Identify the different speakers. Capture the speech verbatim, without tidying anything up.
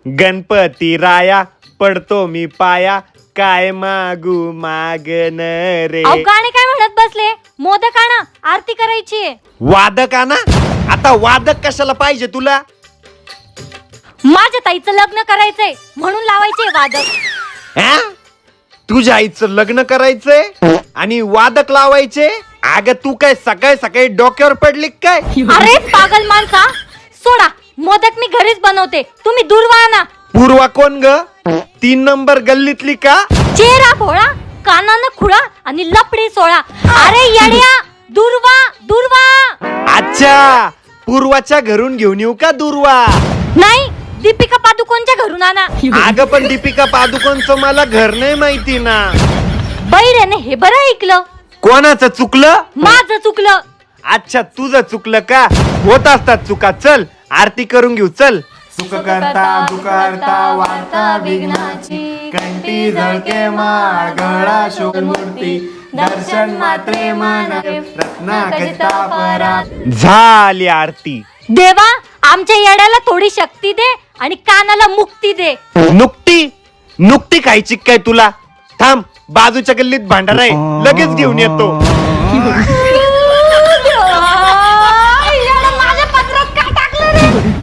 Speaker 1: गणपती राया पडतो मी पाया, काय मागू मागन रे.
Speaker 2: अहो गाणे काय म्हणत बसले? मोदक आणा, आरती करायची.
Speaker 1: वादक ना? आता वादक कशाला पाहिजे तुला?
Speaker 2: माझ्या ताईचं लग्न करायचंय म्हणून लावायचे वादक.
Speaker 1: हा? तुझ्या आईचं लग्न करायचंय आणि वादक लावायचे? अगं तू काय सकाळी सकाळी डोक्यावर पडली काय?
Speaker 2: अरे पागल माणसा, सोडा. मोदक मी घरीच बनवते, तुम्ही दूरवा आणा.
Speaker 1: पूर्वा कोण ग? तीन नंबर गल्लीतली का?
Speaker 2: चेहरा भोळा, कानानं खुळा आणि लपडी सोळा. अरे येड्या, दूरवा दूरवा.
Speaker 1: अच्छा, पूर्वाच्या घरून घेऊन येऊ का दूरवा?
Speaker 2: नाही, दीपिका पादुकोणच्या घरून आणा.
Speaker 1: अगं पण दीपिका पादुकोणचं मला घर नाही माहिती ना.
Speaker 2: बैरेने हे बरं ऐकलं.
Speaker 1: कोणाचं चुकलं?
Speaker 2: माझं चुकलं.
Speaker 1: अच्छा, तुझं चुकलं का? होत असतात चुका. चल आरती करून घेऊ. चल.
Speaker 3: सुख करता दुखहर्ता वार्ता विघ्नाची, कंठी झळके मागळा शोधमूर्ती, दर्शन मात्रे मन रत्ना खचिता परा.
Speaker 1: झाली आरती.
Speaker 2: देवा, आमच्या येड्याला थोडी शक्ती दे आणि कानाला मुक्ती दे.
Speaker 1: नुकती नुकती खायची काय तुला? थांब, बाजूच्या गल्लीत भांडार आहे, लगेच घेऊन येतो.